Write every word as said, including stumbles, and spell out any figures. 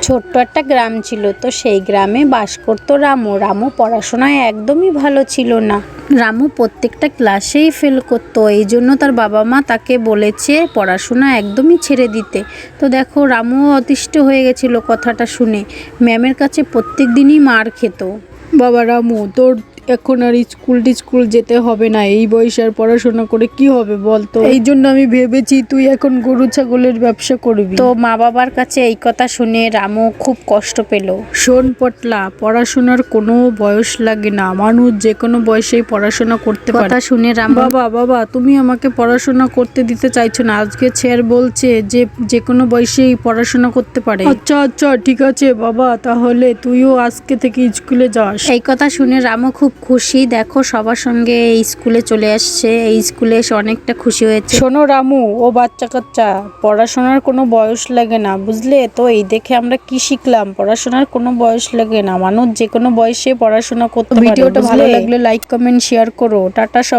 ছোট্ট একটা গ্রাম ছিল, তো সেই গ্রামে বাস করতো রামু। রামু পড়াশোনায় একদমই ভালো ছিল না। রামু প্রত্যেকটা ক্লাসেই ফেল করতো, এই জন্য তার বাবা মা তাকে বলেছে পড়াশোনা একদমই ছেড়ে দিতে। তো দেখো, রামুও অতিষ্ঠ হয়ে গেছিলো কথাটা শুনে, ম্যামের কাছে প্রত্যেক দিনই মার খেত। বাবা রামু, তোর এখন আর স্কুল টিস্কুল যেতে হবে না, এই বয়সে আর পড়াশোনা করে কি হবে বলতো? এই জন্য আমি ভেবেছি তুই এখন গরু ছাগলের ব্যবসা করবি। তো মা বাবার কাছে এই কথা শুনে রামু খুব কষ্ট পেল। শোন পটলা, পড়াশোনার কোনো বয়স লাগে না, মানুষ যে কোনো বয়সেই পড়াশোনা করতে পারে। কথা শুনে রামু, বাবা বাবা তুমি আমাকে পড়াশোনা করতে দিতে চাইছো না, আজকে স্যার বলছে যে যে কোনো বয়সেই পড়াশোনা করতে পারে। আচ্ছা আচ্ছা ঠিক আছে বাবা, তাহলে তুইও আজকে থেকে স্কুলে যাস। এই কথা শুনে রামু খুব খুশি। দেখো, সবার সঙ্গে এই স্কুলে চলে আসছে, এই স্কুলে এসে অনেকটা খুশি হয়েছে। শোনো রামু ও বাচ্চা কাচ্চা, পড়াশোনার কোনো বয়স লাগে না, বুঝলে তো? এই দেখে আমরা কি শিখলাম, পড়াশোনার কোনো বয়স লাগে না, মানুষ যে কোনো বয়সে পড়াশোনা করতে পারে। ভিডিওটা ভালো লাগলে লাইক কমেন্ট শেয়ার করো। টাটা।